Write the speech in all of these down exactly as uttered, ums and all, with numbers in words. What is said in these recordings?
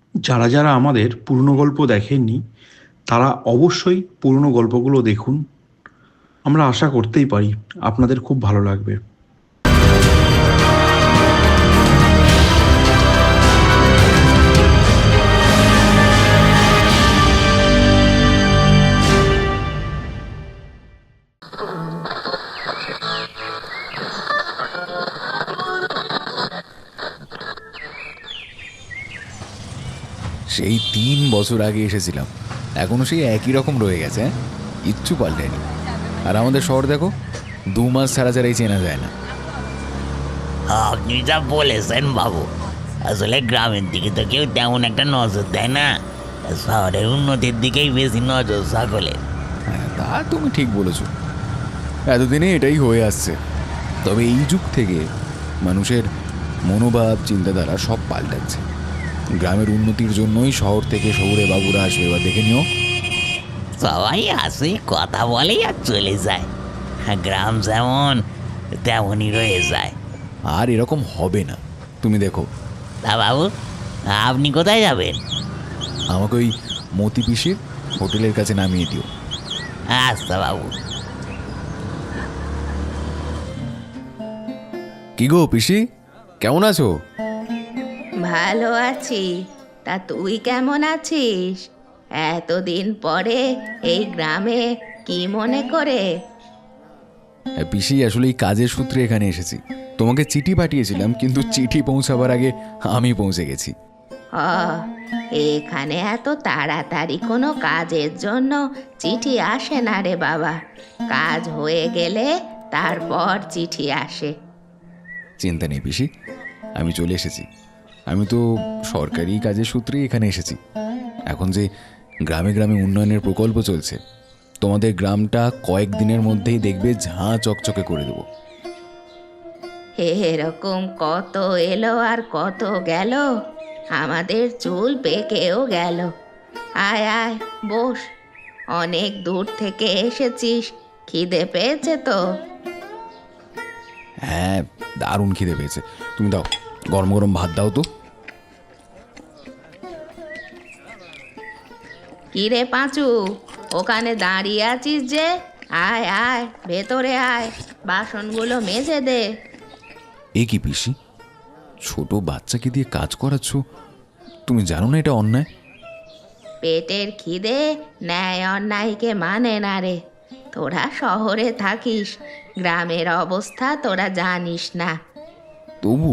যারা যারা আমাদের পুরনো গল্প দেখেননি তারা অবশ্যই পুরনো গল্পগুলো দেখুন। আমরা আশা করতেই পারি আপনাদের খুব ভালো লাগবে। সেই তিন বছর আগে এসেছিলাম, এখনো সেই একই রকম রয়ে গেছে। হ্যাঁ, কিচ্ছু পাল্টেনি। আর আমাদের শহর দেখো, দু মাস ছাড়া ছাড়াই চেনা যায় না। আপনি যা বলেছেন বাবু, আসলে গ্রামের দিকে তো কেউ তেমন একটা নজর দেয় না, শহরের উন্নতির দিকেই বেশি নজর সকলের। হ্যাঁ, তা তুমি ঠিক বলেছ। এতদিনে এটাই হয়ে আসছে। তবে এই যুগ থেকে মানুষের মনোভাব, চিন্তাধারা সব পাল্টাচ্ছে। গ্রামের উন্নতির জন্যই শহর থেকে শহুরে বাবুরা আসবে, এবার দেখে নিও। সবাই আসে, কথা বলে আর চলে যায়। গ্রাম যেমন তেমনই রয়ে যায়। আর এরকম হবে না, তুমি দেখো। তা বাবু, আপনি কোথায় যাবেন? আমাকে ওই মতি পিসির হোটেলের কাছে নামিয়ে দিও। আচ্ছা বাবু। কি গো পিসি, কেমন আছো? ভালো আছি। তা তুই কেমন আছিস? এতদিন পরে এই গ্রামে কি মনে করে? হ্যাঁ, পিসি আসলে এই কাজের সূত্রে এখানে এসেছি। তোমাকে চিঠি পাঠিয়েছিলাম, কিন্তু চিঠি পৌঁছাবার আগে আমি পৌঁছে গেছি। ও, এখানে এত তাড়াতাড়ি কোনো কাজের জন্য চিঠি আসে না রে বাবা। কাজ হয়ে গেলে তারপর চিঠি আসে। চিন্তা নেই পিসি, আমি চলে এসেছি। আমি তো সরকারি কাজের সূত্রেই এখানে এসেছি। এখন যে গ্রামে গ্রামে উন্নয়নের প্রকল্প চলছে, তোমাদের গ্রামটা কয়েকদিনের মধ্যেই দেখবে ঝাঁ চকচকে করে দেবো। এরকম কত এলো আর কত গেল, আমাদের চুল পেকেও গেল। আয় আয় বস, অনেক দূর থেকে এসেছিস, খিদে পেয়েছে তো? হ্যাঁ, দারুণ খিদে পেয়েছে। তুমি দাও, গরম গরম ভাত দাও তো। কিরে পাঁচু, ওখানে দাঁড়িয়ে আছিস যে? আয় আয় ভেতরে আয়, বাসনগুলো মেজে দে। এ কি পিসি, ছোট বাচ্চাকে দিয়ে কাজ করাচ্ছ? তুমি জানো না এটা অন্যায়? পেটের খিদে ন্যায় অন্যায়কে মানে না রে। তোরা শহরে থাকিস, গ্রামের অবস্থা তোরা জানিস না। তবু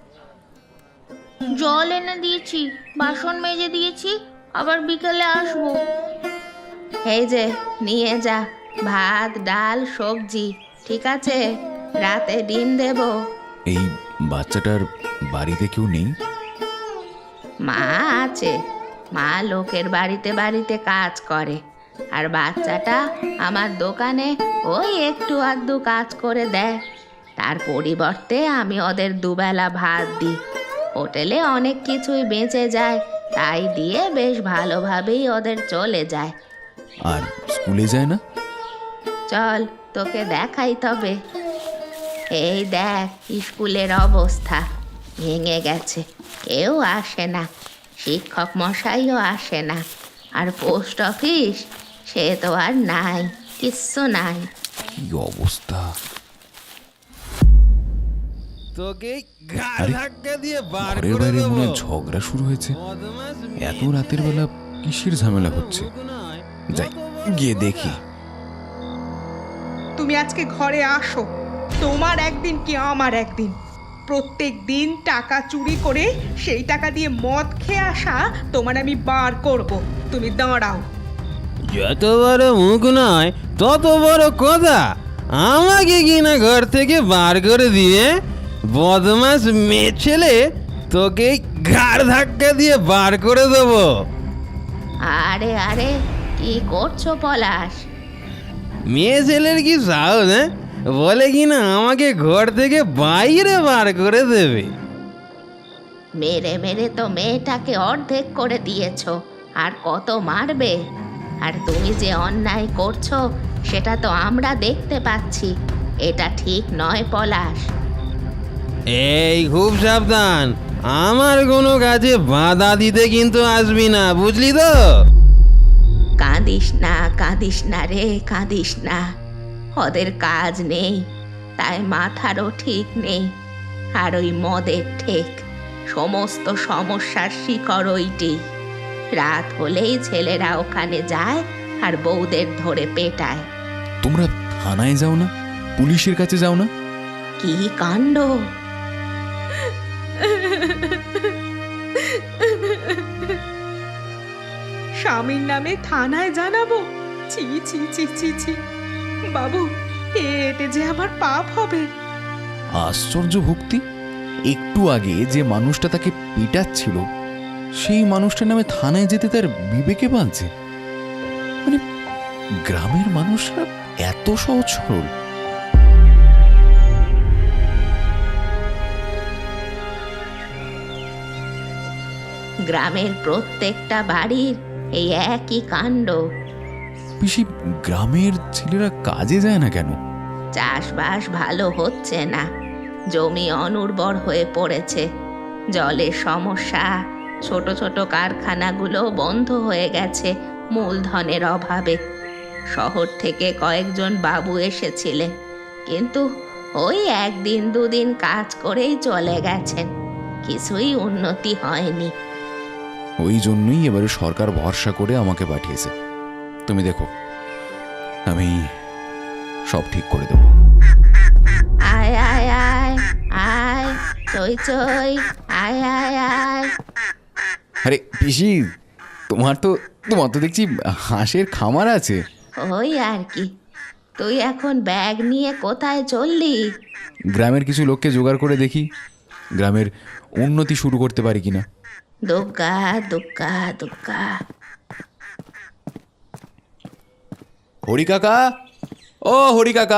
জল এনে দিয়েছি, বাসন মেজে দিয়েছি, আবার বিকেলে আসবো। এই যে নিয়ে যা, ভাত ডাল সবজি, ঠিক আছে? রাতে ডিম দেব। এই বাচ্চাটার বাড়িতে কেউ নেই? মা আছে, মা লোকের বাড়িতে বাড়িতে কাজ করে, আর বাচ্চাটা আমার দোকানে ওই একটু আধটু কাজ করে দেয়। তার পরিবর্তে আমি ওদের দুবেলা ভাত দিই। হোটেলে অনেক কিছুই বেঁচে যায়, তাই দিয়ে বেশ ভালোভাবেই ওদের চলে যায়। আর স্কুলে যায় না? চল তোকে দেখাই তবে। এই দেখ স্কুলের অবস্থা, ভেঙে গেছে, কেউ আসে না, শিক্ষক মশাইও আসে না। আর পোস্ট অফিস, সে তো আর নাই, কিচ্ছু নাই। কি অবস্থা! তোকে ঘাড় আরে, ধাক্কা দিয়ে বার ঘরের করে বাইরে দেবো। মনে হয় ঝগড়া শুরু হয়েছে। বদমাশ এত মেয়ে রাতের বেলা কিসের ঝামেলা হচ্ছে? নয়, যাই, কত বড় গিয়ে দেখি। তুমি আজকে ঘরে আসো, তোমার একদিন কি আমার একদিন। প্রত্যেক দিন টাকা চুরি করে সেই টাকা দিয়ে মদ খেয়ে আসা তোমার আমি বার করব। তুমি দাঁড়াও। যত বড় মুখ নয় তত বড় কথা। আমাকে কিনা ঘর থেকে বার করে দিয়ে বদমাস মেয়ে ছেলে, তোকে ঘাড় ধাক্কা দিয়ে বার করে দেবো। আরে আরে কি করছো পলাশ? মেয়ে ছেলের কি সাহস, হ্যাঁ? বলে কিনা আমাকে ঘর থেকে বাইরে বার করে দেবে। মেরে মেরে তো মেয়েটাকে অর্ধেক করে দিয়েছো, আর কত মারবে? আর তুমি যে অন্যায় করছো সেটা তো আমরা দেখতে পাচ্ছি। এটা ঠিক নয় পলাশ। এই খুব সাবধান, আমার কোনো কাজে বাধা দিতে কিন্তু আসবি না, বুঝলি তো? কাঁদিস না কাঁদিস না রে, কাঁদিস না। ওদের কাজ নেই, তাই মাথারও ঠিক নেই। আর ওই মদের ঠেক, সমস্ত সমস্যার শিকড় ওইটি। রাত হলেই ছেলেরা ওখানে যায় আর বউদের ধরে পেটায়। তোমরা থানায় যাও না, পুলিশের কাছে যাও না? কি কাণ্ড! স্বামীর নামে থানায় জানাবো? ছি ছি ছি ছি ছি বাবু, এতে যে আমার পাপ হবে। আশ্চর্য ভক্তি! একটু আগে যে মানুষটা তাকে পিটাচ্ছিল, সেই মানুষটার নামে থানায় যেতে তার বিবেকে বাঁধছে। মানে গ্রামের মানুষরা এত সহজ সরল। গ্রামের প্রত্যেকটা বাড়ির এই একই কাণ্ড। পিসি, গ্রামের ছেলেরা কাজে যায় না কেন? চাষবাস ভালো হচ্ছে না, জমি অনুর্বর হয়ে পড়েছে, জলের সমস্যা, ছোট ছোট কারখানাগুলো বন্ধ হয়ে গেছে মূলধনের অভাবে। শহর থেকে কয়েকজন বাবু এসেছিলেন, কিন্তু ওই একদিন দুদিন কাজ করেই চলে গেছেন, কিছুই উন্নতি হয়নি। ওই জন্যই এবারে সরকার ভরসা করে আমাকে পাঠিয়েছে। তুমি দেখো, আমি সব ঠিক করে দেবো। আয় আয় আয় আয়, চই চই, আয় আয় আয়। আরে পিসি, তোমার তো তোমার তো দেখছি হাঁসের খামার আছে। ওই আর কি। তুই এখন ব্যাগ নিয়ে কোথায় চললি? গ্রামের কিছু লোককে জোগাড় করে দেখি গ্রামের উন্নতি শুরু করতে পারি কিনা। দুগ্গা দুগ্গা দুগ্গা। হরি কাকা, ও হরি কাকা।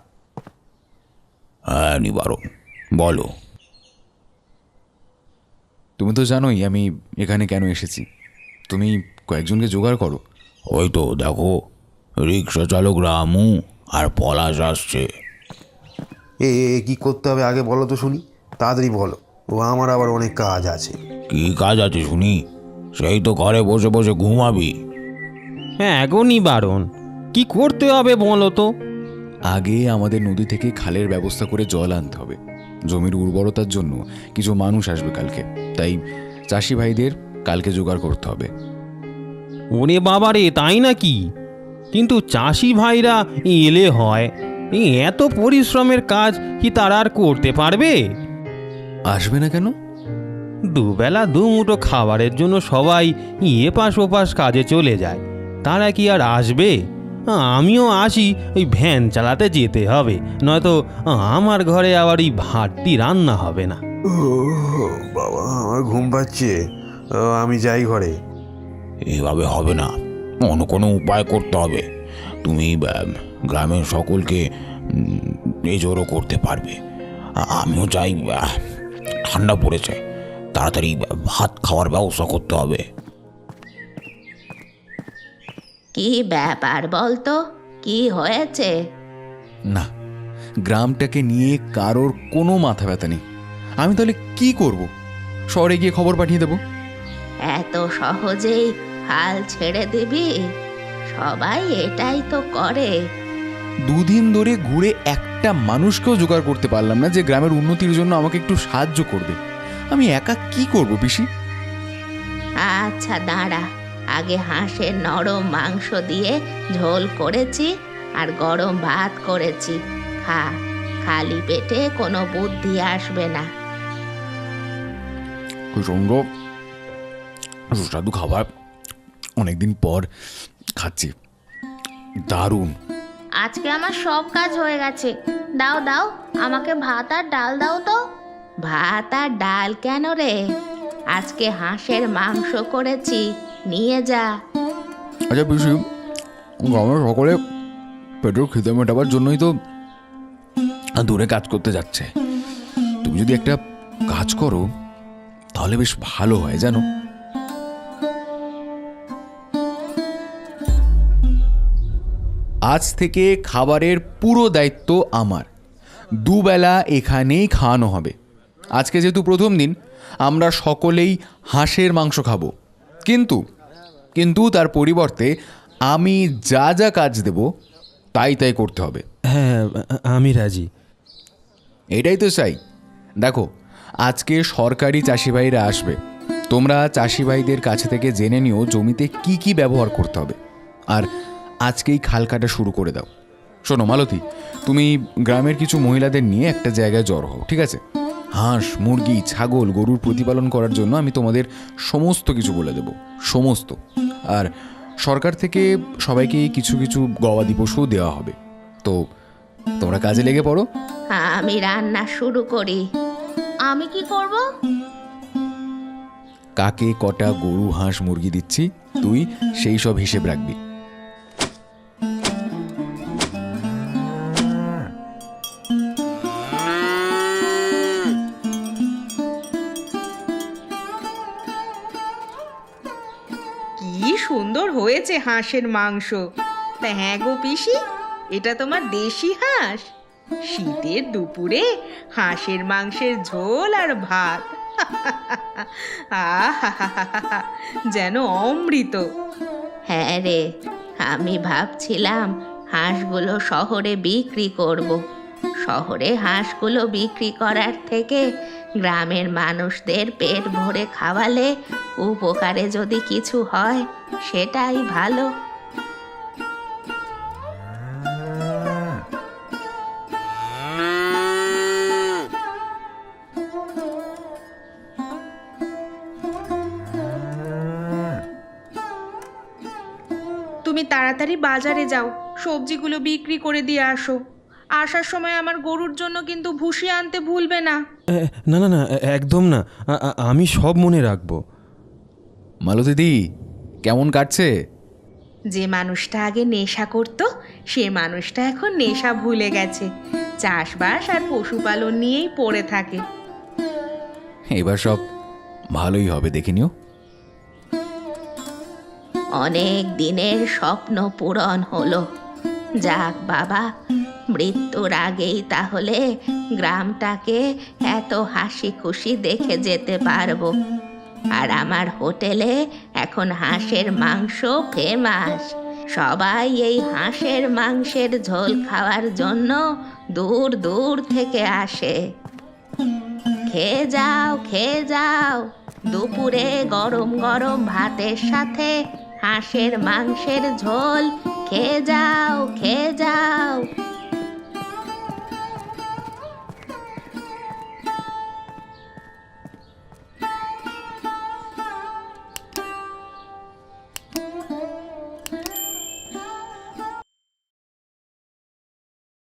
হ্যাঁ নিবারণ, বলো। তুমি তো জানোই আমি এখানে কেন এসেছি। তুমি কয়েকজনকে জোগাড় করো। ওই তো দেখো, রিক্সা চালক রামু আর পলাশ আসছে। এ এ, কি করতে হবে আগে বলো তো শুনি, তাড়াতাড়ি বলো, ও আমার আবার অনেক কাজ আছে। কি কাজ আছে শুনি? সেই তো ঘরে বসে বসে ঘুমাবি। হ্যাঁ এখনই বারণ, কি করতে হবে বলো তো? আগে আমাদের নদী থেকে খালের ব্যবস্থা করে জল আনতে হবে। জমির উর্বরতার জন্য কিছু মানুষ আসবে কালকে, তাই চাষি ভাইদের কালকে জোগাড় করতে হবে। ওরে বাবারে, তাই নাকি? কিন্তু চাষি ভাইরা এলে হয়, এই এত পরিশ্রমের কাজ কি তারা আর করতে পারবে? আসবে না কেন? দুবেলা দুমুঠো খাবারের জন্য সবাই এপাশ ওপাশ কাজে চলে যায়, তারা কি আর আসবে? আমিও আসি, ওই ভ্যান চালাতে যেতে হবে, নয়তো আমার ঘরে আবার এই ভাতটি রান্না হবে না। ও বাবা, আমার ঘুম পাচ্ছে, ও, আমি যাই ঘরে। এভাবে হবে না, অন্য কোনো উপায় করতে হবে। তুমি আহ, গ্রামের সকলকে এই জোরও করতে পারবে। আ- আমিও চাই, আহ, ঠান্ডা পড়েছে, তাড়াতাড়ি ভাত খাওয়ার ব্যবস্থা করতে হবে। কি ব্যাপার বলতো, কি হয়েছে? না, গ্রামটাকে নিয়ে কারোর কোনো মাথা ব্যথা নেই। আমি তাহলে কি করব? শহরে গিয়ে খবর পাঠিয়ে দেব? এত সহজেই হাল ছেড়ে দিবি? সবাই এটাই তো করে। দুদিন ধরে ঘুরে একটা মানুষকেও জোগাড় করতে পারলাম না যে গ্রামের উন্নতির জন্য আমাকে একটু সাহায্য করবে। আমি একা কি করব পিসি? আচ্ছা দাঁড়া, আগে হাঁসের নরম মাংস দিয়ে ঝোল করেছি আর গরম ভাত করেছি, খা। খালি পেটে কোনো বুদ্ধি আসবে না। কি সুন্দর সুস্বাদু খাবার, অনেকদিন পর খাচ্ছি, দারুণ। আজকে আমার সব কাজ হয়ে গেছে। দাও দাও, আমাকে ভাত আর ডাল দাও তো। ভাত আর ডাল কেন রে? আজকে হাঁসের মাংস করেছি, নিয়ে যা। আচ্ছা পিসি, গ্রামের সকলে পেটের খিদে মেটাবার জন্যই তো দূরে কাজ করতে যাচ্ছে। তুমি যদি একটা কাজ করো তাহলে বেশ ভালো হয় জানো। আজ থেকে খাবারের পুরো দায়িত্ব আমার। দুবেলা এখানেই খাওয়ানো হবে। আজকে যেহেতু প্রথম দিন, আমরা সকলেই হাঁসের মাংস খাবো, কিন্তু কিন্তু তার পরিবর্তে আমি যা যা কাজ দেব তাই তাই করতে হবে। হ্যাঁ, আমি রাজি। এটাই তো চাই। দেখো, আজকে সরকারি চাষি ভাইরা আসবে, তোমরা চাষি ভাইদের কাছে থেকে জেনে নিও জমিতে কি কি ব্যবহার করতে হবে, আর আজকেই খাল কাটা শুরু করে দাও। শোনো মালতী, তুমি গ্রামের কিছু মহিলাদের নিয়ে একটা জায়গায় জড়ো হও, ঠিক আছে? হাঁস, মুরগি, ছাগল, গরুর প্রতিপালন করার জন্য আমি তোমাদের সমস্ত কিছু বলে দেব, সমস্ত। আর সরকার থেকে সবাইকে কিছু কিছু গবাদি পশুও দেওয়া হবে। তো তোমরা কাজে লেগে পড়ো। আমি রান্না শুরু করি। আমি কি করব? কাকে কটা গরু, হাঁস, মুরগি দিচ্ছি তুই সেই সব হিসেব রাখবি। কি সুন্দর হয়েছে হাঁসের মাংস। তা হ্যাঁ গো পিসি, এটা তোমার দেশি হাঁস? শীতের দুপুরে হাঁসের মাংসের ঝোল আর ভাত, আহা যেন অমৃত। হ্যাঁ রে, আমি ভাবছিলাম হাঁসগুলো শহরে বিক্রি করব। শহরে হাঁসগুলো বিক্রি করার থেকে গ্রামের মানুষদের পেট ভরে খাওয়ালে উপকারে যদি কিছু হয় সেটাই ভালো। তুমি তাড়াতাড়ি বাজারে যাও, সবজিগুলো বিক্রি করে দিয়ে আসো। আসার সময় আমার গরুর জন্য কিন্তু ভুসি আনতে ভুলবে না। এ, না না না, একদম না, আ- আ- আমি সব মনে রাখবো। মালতীদি, কেমন কাটছে? যে মানুষটা আগে নেশা করত, সে মানুষটা এখন নেশা ভুলে গেছে, চাষবাস আর পশুপালন নিয়েই পড়ে থাকে। এবার সব ভালোই হবে, দেখে নিও। অনেক দিনের স্বপ্ন পূরণ হলো। যাক বাবা, মৃত্যুর আগেই তাহলে গ্রামটাকে এত হাসি খুশি দেখে যেতে পারবো। আর আমার হোটেলে এখন হাঁসের মাংস ফেমাস। সবাই এই হাঁসের মাংসের ঝোল খাওয়ার জন্য দূর দূর থেকে আসে। খেয়ে যাও, খেয়ে যাও, দুপুরে গরম গরম ভাতের সাথে হাঁসের মাংসের ঝোল খেয়ে যাও, খেয়ে যাও।